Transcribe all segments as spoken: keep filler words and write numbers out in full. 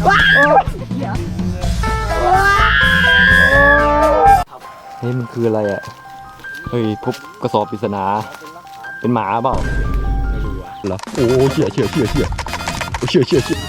นี่มันคืออะไรอ่ะเฮ้ยพบกระสอบปริศนาเป็นหมาเปล่าไม่รู้อ่ะเหรอโอ้เชี่ยเชี่ยเชี่ยเชี่ยเชี่ยเชี่ยเชี่ย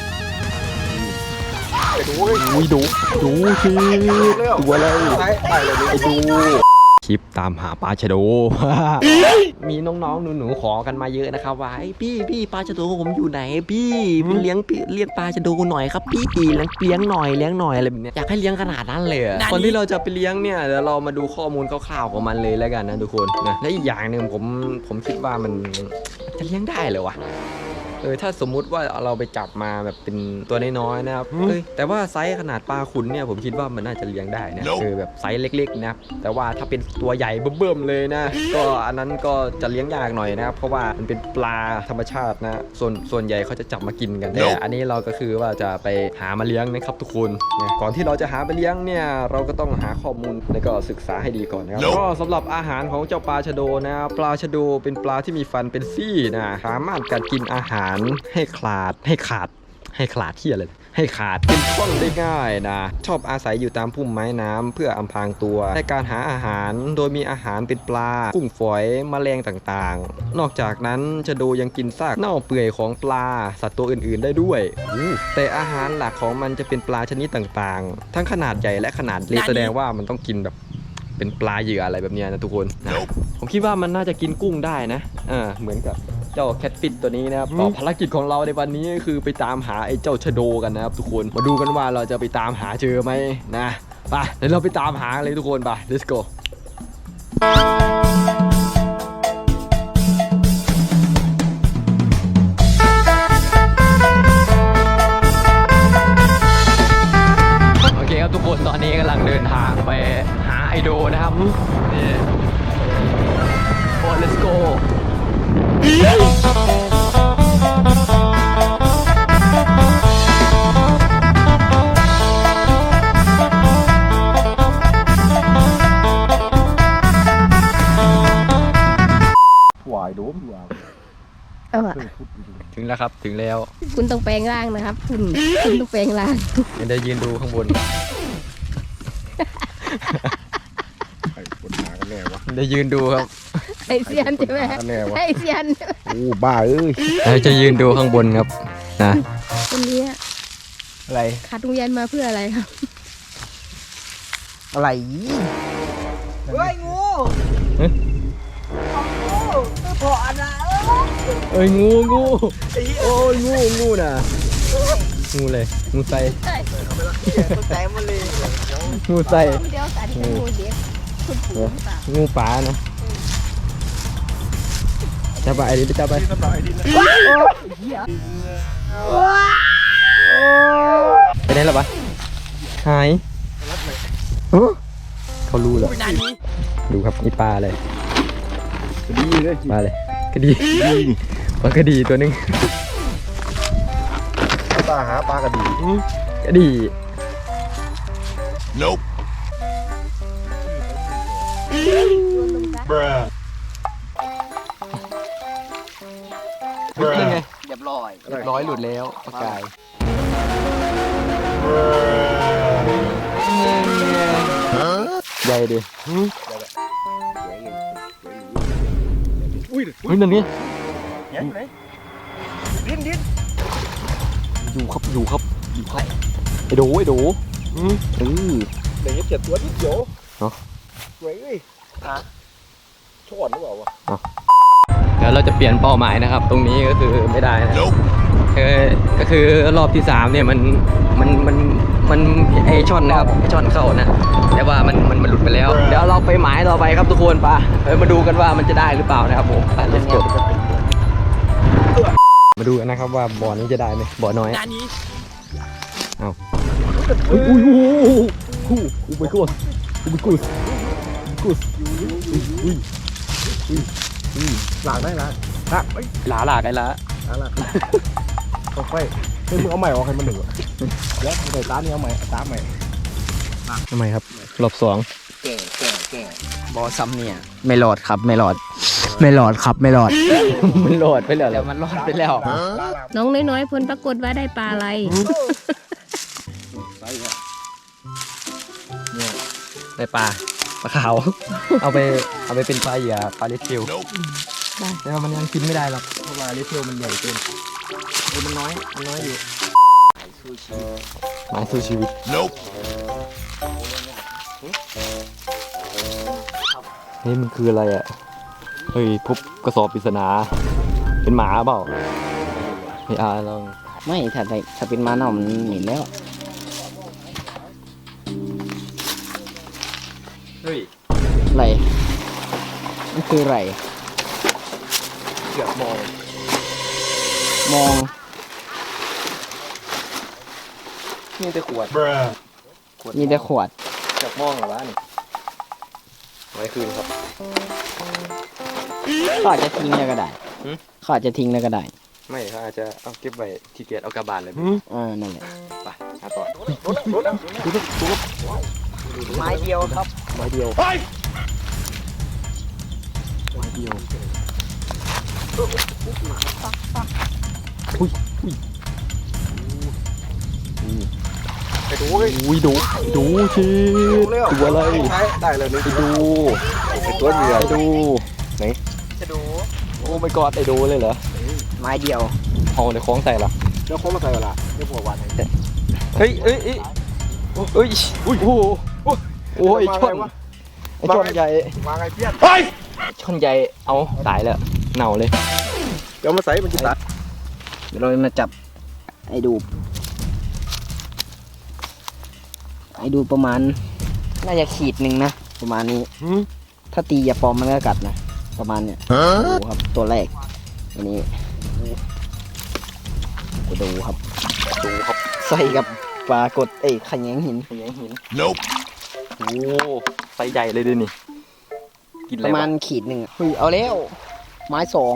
ดูดูดูสิตัวอะไรไอ้ดูคลิปตามหาปลาชะโด มีน้องๆหนูๆขอกันมาเยอะนะครับว่าไอ้พี่พี่ปลาชะโดผมอยู่ไหนพี่เลี้ยงเลี้ยงปลาชะโดหน่อยครับพี่เลี้ยงเลี้ยงหน่อยเลี้ยงหน่อยอะไรแบบนี้อยากให้เลี้ยงขนาดนั้นเลยก่อนที่เราจะไปเลี้ยงเนี่ยเดี๋ยวเรามาดูข้อมูลคร่าวๆของมันเลยแล้วกันนะทุกคนนะและอีกอย่างหนึ่งผมผมคิดว่ามันจะเลี้ยงได้เหรอวะเออถ้าสมมุติว่าเราไปจับมาแบบเป็นตัวน้อยๆนะครับเอ้ยแต่ว่าไซส์ขนาดปลาขุนเนี่ยผมคิดว่ามันน่าจะเลี้ยงได้นะเออแบบไซส์เล็กๆนะแต่ว่าถ้าเป็นตัวใหญ่เบิ่มๆเลยนะก็อันนั้นก็จะเลี้ยงยากหน่อยนะครับเพราะว่ามันเป็นปลาธรรมชาตินะส่วนส่วนใหญ่เขาจะจับมากินกันแต่อันนี้เราก็คือว่าจะไปหามาเลี้ยงนะครับทุกคนนะก่อนที่เราจะหาไปเลี้ยงเนี่ยเราก็ต้องหาข้อมูลแล้วก็ศึกษาให้ดีก่อนนะครับก็สำหรับอาหารของเจ้าปลาชะโดนะปลาชะโดเป็นปลาที่มีฟันเป็นซี่นะสามารถกัดกินอาหารให้คลาดให้ขาดให้ขลาดที่อะไรให้ขาดเป็นช่องได้ง่ายนะชอบอาศัยอยู่ตามพุ่มไม้น้ำเพื่ออำพรางตัวในการหาอาหารโดยมีอาหารเป็นปลากุ้งฝอยแมลงต่างๆนอกจากนั้นชะโดยังกินซากเน่าเปื่อยของปลาสัตว์ตัวอื่นๆได้ด้วยแต่อาหารหลักของมันจะเป็นปลาชนิดต่างๆทั้งขนาดใหญ่และขนาดเล็กแสดงว่ามันต้องกินแบบเป็นปลาเหยื่ออะไรแบบนี้นะทุกคนนะผมคิดว่ามันน่าจะกินกุ้งได้นะอ่าเหมือนกับเจ้าแคทฟิชตัวนี้นะครับภารกิจของเราในวันนี้ก็คือไปตามหาไอ้เจ้าชะโดกันนะครับทุกคนมาดูกันว่าเราจะไปตามหาเจอไหมนะไปเดี๋ยวเราไปตามหาเลยทุกคนไป let's go โอเคครับทุกคนตอนนี้กำลังเดินทางไปหาไอโดนะครับนี่โอ้ let's goหวายโดมเอาอะถึงแล้วครับถึงแล้วคุณต้องแปลงร่างนะครับคุณคุณต้องแปลงร่างเดี๋ยวยืนดูข้างบนเดี๋ยวยืนดูครับไอเซียนใช่ไหมไอเซียนโอ้บ้าเอ้ยเราจะยืนดูข้างบนครับนะคนนี้อะไรขาดโรงเรียนมาเพื่ออะไรครับอะไรเฮ้ยงูงูพอนะเอ้ยงูงูโอ้ยงูงูน่ะงูเลยงูใส่ใจมันเลยงูใส่งูงูป่านะจับไปไอ้ดิจับไปไปไหนล่ะปะหายเขารู้แล้วดูครับนี่ปลาเลยกระดีเลยปลาเลยกระดีปลากระดีตัวนึงปลาหาปลากระดีกระดี Nope Bruh นี่ไงเรียบร้อยเรียบร้อยหลุดแล้วปลากายใหญ่ดิอุ้ยอุ้ยนั่นนี่ดิ้นดิ้นอยู่ครับอยู่ครับอยู่ครับไอ้โดไอ้โดอือเออเดี๋ยวเจ็ดตัวนิดเดียวเนาะสวยเลยอ่ะชอนหรือเปล่าวะเดี๋ยวเราจะเปลี่ยนเป้าหมายนะครับตรงนี้ก็คือไม่ได้นะก็คือรอบที่สามเนี่ยมันมันมันมันไอช่อนนะครับไอช่อนเข้านะแต่ว่ามันมันมันหลุดไปแล้วเดี๋ยวเราไปหมายต่อไปครับทุกคนป่ะเดี๋ยวมาดูกันว่ามันจะได้หรือเปล่านะครับผมไป let's go มาดูกันนะครับว่าบ่อนี้จะได้ไหมบ่อน้อยเอาอุ้ยอุ้ยอุ้ยอุ้ยไปกูอุ้ยไปกูกูอุ้ยอุ้ยอุ้ยหลากได้ละหลาหลาหลาไอ้ละหลาหลาเข้าไปเฮ้ยมึงเอาใหม่ออกให้มันหนึ่งแล้วใส่ตาเนี่ยเอาใหม่ตาใหม่ทำไมครับรอบสองแก่แก่แก่บอซัมเนี่ยไม่หลอดครับไม่หลอดไม่หลอดครับไม่หลอดมันหลอดไปแล้วแล้วมันหลอดไปแล้วน้องน้อยๆผลปรากฏว่าได้ปลาอะไรในปลาปลาขาว เอาไปเอาไปเป็นปลาเหยื่อปลาเลสเทลได้แต่ว่ามันยังกินไม่ได้หรอกเพราะว่าเลสเทลมันใหญ่เกินเออมันน้อยมันน้อยอยู่หมายสู้ชีวิตเฮ้ยมันคืออะไรอ่ะเฮ้ยพบกระสอบปริศนาเป็นหมาเปล่าไม่อาลองไม่ถ้าถ้าเป็นม้าเน่ามันเหม็นแล้วเฮ้ยไรมันคือไรเกือบมองมองนี่แต่ขวดมีแต่ขวดเกือบมองเหรอวะนี่ไว้คืนครับเขาอาจจะทิ้งแล้วก็ได้หืมเขาอาจจะทิ้งแล้วก็ได้ไม่เขาอาจจะเอาเก็บไว้ที่เกียจเอากระบาลเลยเออนั่นแหละไปหาต่อไม้เดียวครับไม้เดียวไม้เดียวอุ้ยอุ้ยไปดูอุ้ยดูดูชีตัวอะไรได้เลยนี่ไปดูเป็นตัวเหยื่อดูไหนจะดูโอ้ไม่กอดไอดูเลยเหรอไม้เดียวเอาในคล้องใส่ละเดี๋ยวโค้งมาใส่เวลาเดี๋ยวหัววันให้เฮ้ยเอ้ยเอ้ยเอ้ยอุ้ยโอ้โหโอ้ยชนไอชนใหญ่มาไงเพี้ยนชนใหญ่เอาตายแล้วเน่าเลยเดี๋ยวมาใส่มันจะตัดเดี๋ยวเรามาจับไอ้ดูไอ้ดูประมาณน่าจะขีดหนึ่งนะประมาณนี้ ถ้าตีอย่าปลอมมันก็กัดนะประมาณเนี้ยดูครับตัวแรกอันนี้จะดูครับดูครับใส่กับปลากดเอ้ยขยงหินขยงหิน nope โอ้ไซส์ใหญ่เลยดินี่กินอะปไรระมาวะณขีดหนึ่งอะเฮ้ยเอาแล้วไม้สอง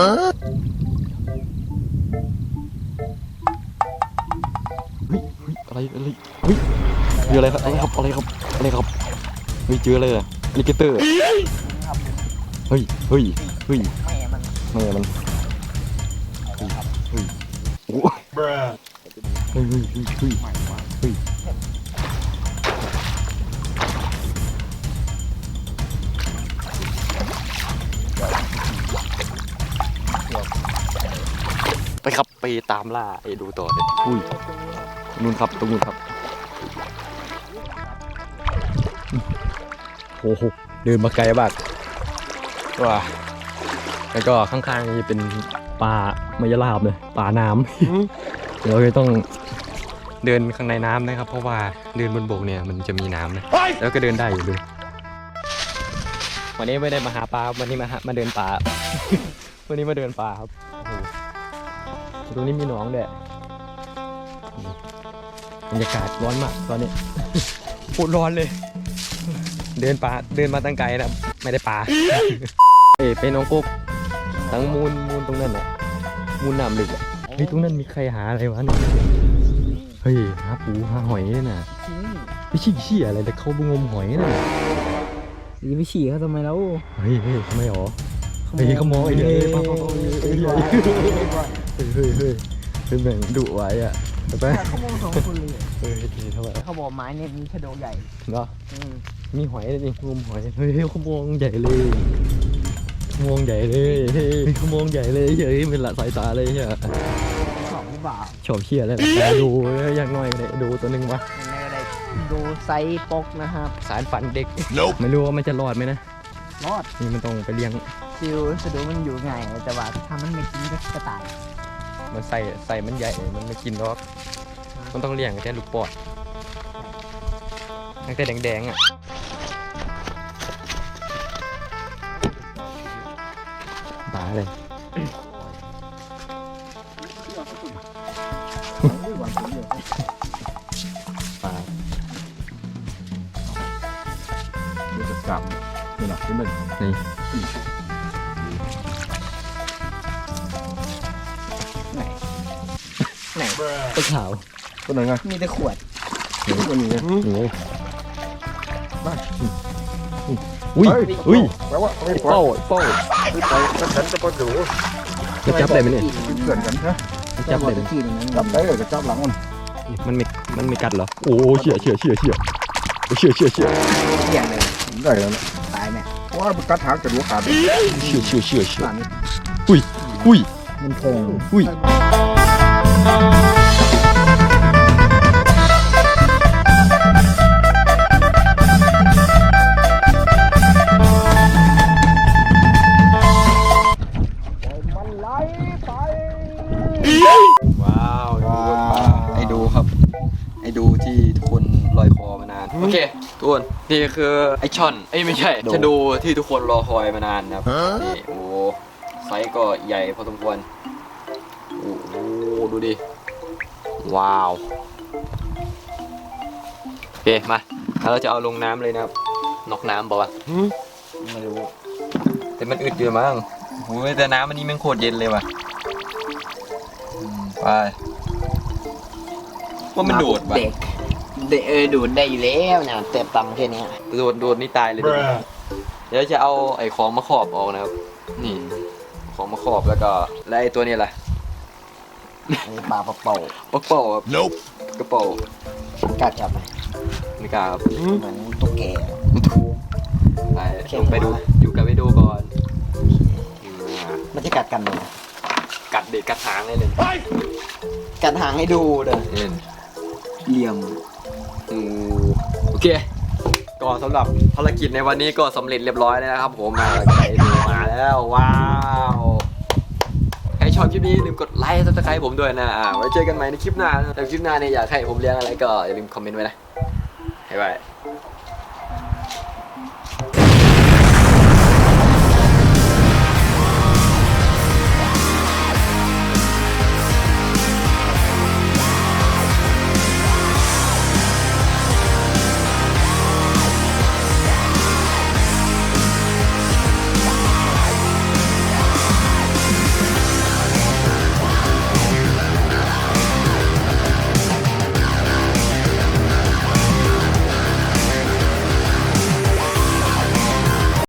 เฮ้ยเฮ้ยอะไรอะไรเฮ้ยเจออะไรครับอะไรครับอะไรครับอะไรครับเฮ้ยเจออะไรอะอลิเกเตอร์เฮ้ยเฮ้ยเฮ้ยแม่มันแม่มันเฮ้ยเฮ้ยโอ้เฮ้ยเฮ้ยเฮ้ยเฮ้ยเฮ้ยไปครับไปตามล่าไอ้ดูต่อเลยอุ้ยนู่นครับตรงนู้นครับโอ้โหเดินมาไกลมากว้าแล้วก็ข้างๆนี่เป็นป่ามายาลาบเลยป่าน้ำ เราจะต้องเดินข้างในน้ำนะครับ เพราะว่าเดินบนบกเนี่ยมันจะมีน้ำนะแล้วก็เดินได้อยู่เลยวันนี้ไม่ได้มาหาปลาวันนี้มาหามาเดินป่า วันนี้มาเดินป่าครับโอ้โหตรงนี้มีหนองด้วยบรรยากาศร้อนมากตอนนี้ โคตรร้อนเลย เดินป่าเดินมาตั้งไกลนะไม่ได้ป่า เอ้ยไปน้องกุ๊กทั้งมูลมูลตรงนั้นแหละมูลน้ำลึกอะเฮ้ยตรงนั้นมีใครหาอะไรวะเนี่ยเฮ้ยหาปูหาหอยเนี่ยนะไม่ใช่ขี้อะไรแต่เขาไปงมหอยน่ะยีไปฉี่เขาทำไมแล้วเฮ้ยเฮ้ยทำไมหรอเฮ้ยเขามองไอ้เนี่ยเฮ้ยป้าป้าป้าเฮ้ยเฮ้ยเฮ้ยเฮ้ยเป็นแบ่งดุไว้อะไปไปเขามองสองคนเลยเฮ้ยเท่าไหร่เขาบอกไม้เนี่ยมีชะโดใหญ่เนาะมีหอยเลยนี่งมหอยเฮ้ยเขามองใหญ่เลยมองใหญ่เลยเฮ้ยเขามองใหญ่เลยเฮ้ยเป็นละสายตาเลยใช่สองหรือเปล่าชอบเชี่ยเลยดูอย่างน้อยเลยดูตัวหนึ่งวะยังไงก็ได้ดูไซส์ปกนะครับสารฝันเด็กไม่รู้ว่ามันจะรอดไหมนะรอดนี่มันต้องไปเลี้ยงซิลชะโดมันอยู่ไงแต่ว่าถ้ามันไม่กินก็ตายมันใส่ใส่มันใหญ่มันไม่กินหรอกมันต้องเลี้ยงแค่ลูกปอดตั้งแต่แดงๆอ่ะตายเลยปลาเดี๋ยวจะกลับนี่แหละเป็นหนึ่งนี่ไหนไหนตัวขาวตัวไหนไงมีแต่ขวดตัวนี้ไงนี่อุ้ยอุ้ยแปลว่าไม่พอเป้าเป้าไปแล้วฉันจะพอถือจะจับได้ไหมเนี่ยเกินกันนะจะจับได้ไหมที่ตรงนั้นจับได้เลยจะจับหลังมันมันไม่มันไม่กัดเหรอโอ้เชี่ยเชี่ยเชี่ยเชี่ยเชื่อเชื่อเชื่อเกี่ยงเลยได้แล้วนะตายไหมเพราะว่ามันกัดหางกระดูกขาดเชื่อเชื่อเชื่อเชื่ออุ้ยอุ้ยมันแทงอุ้ยว้าวไอ้ดูครับไอ้ดูที่ทุกคนลอยคอมานานโอเคทุกคนนี่คือไอช่อนเอ้ยไม่ใช่ชะดูที่ทุกคนรอคอยมานานนะครับนี่โอ้ไซส์ก็ใหญ่พอสมควรโอ้โหดูดิว้าวโอเคมาแล้วเราจะเอาลงน้ำเลยนะครับนอกน้ำบอกว่าไม่รู้แต่มันอึดอยู่มั้งโอ้ยแต่น้ำมันนี้มันโคตรเย็นเลยว่ะอืมไปว่ามันโดดว่ะเด็กเด็กเออดูดได้อยู่แล้วเนี่ยเต็มตำแค่เนี้ยโดดโดดนี่ตายเลยดิเดี๋ยวจะเอาไอ้ของมาครอบออกนะครับนี่ของมาครอบแล้วก็แล้วไอ้ตัวนี้แหละอันนี้ปลาปลาเป่าปะเป๋าครับกระเป๋ากล้าจับไหมไม่กล้าครับเหมือนตุ๊กแกไปลงไปดูอยู่กับไปดูก่อนอ่ามันจะกัดกันเลยกัดเด็ดกัดหางเลยเลยกัดหางให้ดูเด้อนี่เหลี่ยมงูโอเคก็สำหรับภารกิจในวันนี้ก็สำเร็จเรียบร้อยแล้วนะครับผมมาไปดูมาแล้วว้าวใครชอบคลิปนี้อย่าลืมกดไลค์ซับสไครต์ผมด้วยนะอ่าไว้เจอกันใหม่ในคลิปหน้าแต่คลิปหน้าเนี่ยอยากให้ผมเลี้ยงอะไรก็อย่าลืมคอมเมนต์ไว้นะบ๊ายบาย